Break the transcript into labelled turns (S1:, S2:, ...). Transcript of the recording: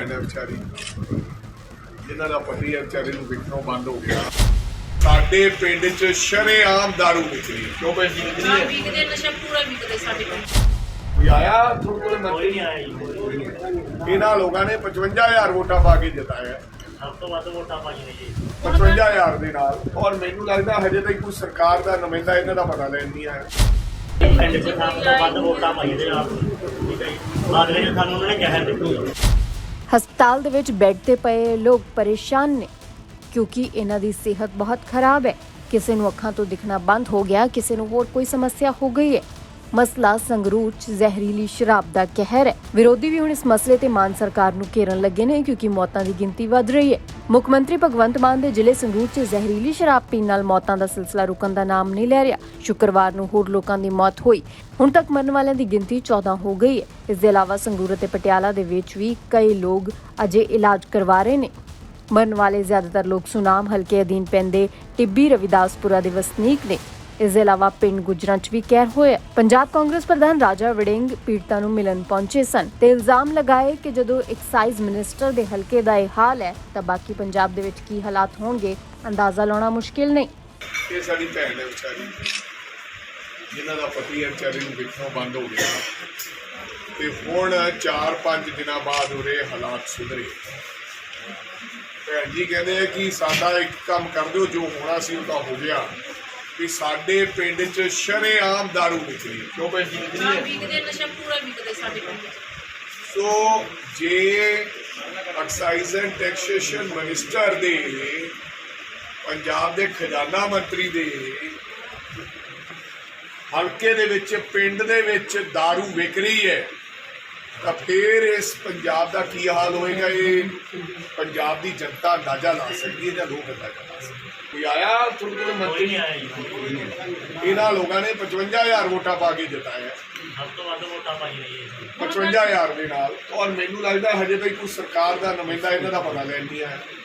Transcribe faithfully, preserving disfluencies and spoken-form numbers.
S1: ਭੈਣ ਹੈ ਵਿਚਾਰੀ, ਜਿਨ੍ਹਾਂ ਦਾ ਪਤੀ ਹੈ ਵਿਚਾਰੇ ਨੂੰ ਵਿਕਣੋਂ ਬੰਦ ਹੋ ਗਿਆ। ਸਾਡੇ ਪਿੰਡ 'ਚ ਸ਼ਰੇਆਮ ਦਾਰੂ ਵਿਕਰੀ, ਕਿਉਂ ਪੈਂਦੀ ਵਿਕਰੀ ਹੈ?
S2: ਵਿਕਦੇ ਨਸ਼ਾ ਪੂਰਾ ਵਿਕਦੇ ਸਾਡੇ ਪਿੰਡ।
S1: ਕੋਈ ਆਇਆ ਥੋੜੇ ਮੰਤਰੀ ਨਹੀਂ ਆਇਆ ਜੀ। ਇਹਨਾਂ ਲੋਕਾਂ ਨੇ ਪਚਵੰਜਾ ਹਜ਼ਾਰ ਵੋਟਾਂ ਪਾ ਕੇ ਜਿਤਾਇਆ,
S3: ਸਭ ਤੋਂ ਵੱਧ ਵੋਟਾਂ ਪਾਈਆਂ ਨੇ ਜੀ
S1: ਪਚਵੰਜਾ ਹਜ਼ਾਰ ਦੇ ਨਾਲ। ਔਰ ਮੈਨੂੰ ਲੱਗਦਾ ਹਜੇ ਤੱਕ ਕੋਈ ਸਰਕਾਰ ਦਾ ਨੁਮਾਇੰਦਾ ਇਹਨਾਂ ਦਾ ਪਤਾ ਲੈਣ ਨਹੀਂ ਆਇਆ।
S3: ਪਿੰਡ 'ਚ ਸਭ ਤੋਂ ਵੱਧ ਵੋਟਾਂ ਪਾਈਆਂ ਦੇ ਨਾਲ, ਠੀਕ ਹੈ ਜੀ। ਬਾਅਦ ਵਿੱਚ ਸਾਨੂੰ ਉਹਨਾਂ ਨੇ ਕਹਿ ਦਿੱਤੀ।
S4: ਹਸਪਤਾਲ ਦੇ ਵਿੱਚ ਬੈੱਡ ਤੇ ਪਏ ਲੋਕ ਪਰੇਸ਼ਾਨ ਨੇ ਕਿਉਂਕਿ ਇਹਨਾਂ ਦੀ ਸਿਹਤ ਬਹੁਤ ਖਰਾਬ ਹੈ। ਕਿਸੇ ਨੂੰ ਅੱਖਾਂ ਤੋਂ ਦਿਖਣਾ ਬੰਦ ਹੋ ਗਿਆ, ਕਿਸੇ ਨੂੰ ਹੋਰ ਕੋਈ ਸਮੱਸਿਆ ਹੋ ਗਈ ਹੈ। ਮਸਲਾ ਸੰਗਰੂਰ 'ਚ ਜ਼ਹਿਰੀਲੀ ਸ਼ਰਾਬ ਦਾ ਕਹਿਰ ਹੈ। ਵਿਰੋਧੀ ਵੀ ਹੁਣ ਇਸ ਮਸਲੇ ਤੇ ਮਾਨ ਸਰਕਾਰ ਨੂੰ ਘੇਰਨ ਲੱਗੇ ਨੇ ਕਿਉਂਕਿ ਮੌਤਾਂ ਦੀ ਗਿਣਤੀ ਵਧ ਰਹੀ ਹੈ। ਮੁੱਖ ਮੰਤਰੀ ਭਗਵੰਤ ਮਾਨ ਦੇ ਜ਼ਿਲ੍ਹੇ ਸੰਗਰੂਰ 'ਚ ਜ਼ਹਿਰੀਲੀ ਸ਼ਰਾਬ ਪੀਣ ਨਾਲ ਮੌਤਾਂ ਦਾ ਸਿਲਸਿਲਾ ਰੁਕਣ ਦਾ ਨਾਮ ਨਹੀਂ ਲੈ ਰਿਹਾ। ਸ਼ੁੱਕਰਵਾਰ ਨੂੰ ਹੋਰ ਲੋਕਾਂ ਦੀ ਮੌਤ ਹੋਈ। ਹੁਣ ਤੱਕ ਮਰਨ ਵਾਲਿਆਂ ਦੀ ਗਿਣਤੀ ਚੌਦਾਂ ਹੋ ਗਈ ਹੈ। ਇਸ ਦੇ ਇਲਾਵਾ ਸੰਗਰੂਰ ਅਤੇ ਪਟਿਆਲਾ ਦੇ ਵਿੱਚ ਵੀ ਕਈ ਲੋਕ ਅਜੇ ਇਲਾਜ ਕਰਵਾ ਰਹੇ ਨੇ। ਮਰਨ ਵਾਲੇ ਜ਼ਿਆਦਾਤਰ ਲੋਕ ਸੁਨਾਮ ਹਲਕੇ ਅਧੀਨ ਪੈਂਦੇ ਟਿੱਬੀ ਰਵਿਦਾਸਪੁਰਾ ਦੇ ਵਸਨੀਕ ਨੇ। ਇਸ ਦੇ ਇਲਾਵਾ ਪਿੰਡ ਗੁਜਰਾਂ 'ਚ ਵੀ ਕਹਿਰ ਹੋਇਆ। ਪੰਜਾਬ ਕਾਂਗਰਸ ਪ੍ਰਧਾਨ ਰਾਜਾ ਵੜਿੰਗ ਪੀੜਤਾਂ ਨੂੰ ਮਿਲਣ ਪਹੁੰਚੇ ਸਨ ਤੇ ਇਲਜ਼ਾਮ ਲਗਾਏ ਕਿ ਜਦੋਂ ਐਕਸਾਈਜ਼ ਮਿਨਿਸਟਰ ਦੇ ਹਲਕੇ ਦਾ ਇਹ ਹਾਲ ਹੈ ਤਾਂ ਬਾਕੀ ਪੰਜਾਬ ਦੇ ਵਿੱਚ ਕੀ ਹਾਲਾਤ ਹੋਣਗੇ ਅੰਦਾਜ਼ਾ ਲਾਉਣਾ ਮੁਸ਼ਕਿਲ ਨਹੀਂ।
S1: ਇਹ ਸਾਡੀ ਭੈਣ ਹੈ ਵਿਚਾਰੀ, ਜਿਨ੍ਹਾਂ ਦਾ ਪਤੀ ਹੈ ਵਿਚਾਰੇ ਨੂੰ ਵਿਕਣੋਂ ਬੰਦ ਹੋ ਗਿਆ ਤੇ ਹੁਣ ਚਾਰ ਪੰਜ ਦਿਨਾਂ ਬਾਅਦ ਉਹਦੇ ਹਾਲਾਤ ਸੁਧਰੇ। ਭੈਣ ਜੀ ਕਹਿੰਦੇ ਆ ਕਿ ਸਾਡਾ ਇੱਕ ਕੰਮ ਕਰ ਦਿਓ, ਜੋ ਹੋਣਾ ਸੀ ਉਹ ਤਾਂ ਹੋ ਗਿਆ। ਵੀ ਸਾਡੇ ਪਿੰਡ 'ਚ ਸ਼ਰੇਆਮ ਦਾਰੂ ਵਿਕਰੀ, ਕਿਉਂ ਪੈਂਦੀ ਵਿਕਰੀ ਹੈ?
S2: ਵਿਕਦੇ ਨਸ਼ਾ ਪੂਰਾ ਵਿਕਦੇ ਸਾਡੇ ਪਿੰਡ।
S1: ਸੋ ਜੇ ਐਕਸਾਈਜ਼ ਐਂਡ ਟੈਕਸੇਸ਼ਨ ਮਿਨਿਸਟਰ ਦੇ, ਪੰਜਾਬ ਦੇ ਖਜ਼ਾਨਾ ਮੰਤਰੀ ਦੇ ਹਲਕੇ ਦੇ ਵਿੱਚ, ਪਿੰਡ ਦੇ ਵਿੱਚ ਦਾਰੂ ਵਿਕ ਰਹੀ ਹੈ ਤਾਂ ਫਿਰ ਇਸ ਪੰਜਾਬ ਦਾ ਕੀ ਹਾਲ ਹੋਏਗਾ? ਇਹ ਪੰਜਾਬ ਦੀ ਜਨਤਾ ਅੰਦਾਜ਼ਾ ਲਾ ਸਕਦੀ ਹੈ ਜਾਂ ਲੋਕ ਅੰਦਾਜ਼ਾ ਲਾ ਸਕਦੇ। ਕੋਈ ਆਇਆ ਥੋੜੇ ਥੋੜੇ ਮੰਤਰੀ
S3: ਨਹੀਂ ਆਇਆ ਜੀ।
S1: ਇਹਨਾਂ ਲੋਕਾਂ ਨੇ ਪਚਵੰਜਾ ਹਜ਼ਾਰ ਵੋਟਾਂ ਪਾ ਕੇ ਜਿਤਾਇਆ,
S3: ਸਭ ਤੋਂ ਵੱਧ ਵੋਟਾਂ ਪਾਈਆਂ ਨੇ ਜੀ
S1: ਪਚਵੰਜਾ ਹਜ਼ਾਰ ਦੇ ਨਾਲ। ਔਰ ਮੈਨੂੰ ਲੱਗਦਾ ਹਜੇ ਤੱਕ ਕੋਈ ਸਰਕਾਰ ਦਾ ਨੁਮਾਇੰਦਾ ਇਹਨਾਂ ਦਾ ਪਤਾ ਲੈਣ ਨਹੀਂ ਆਇਆ।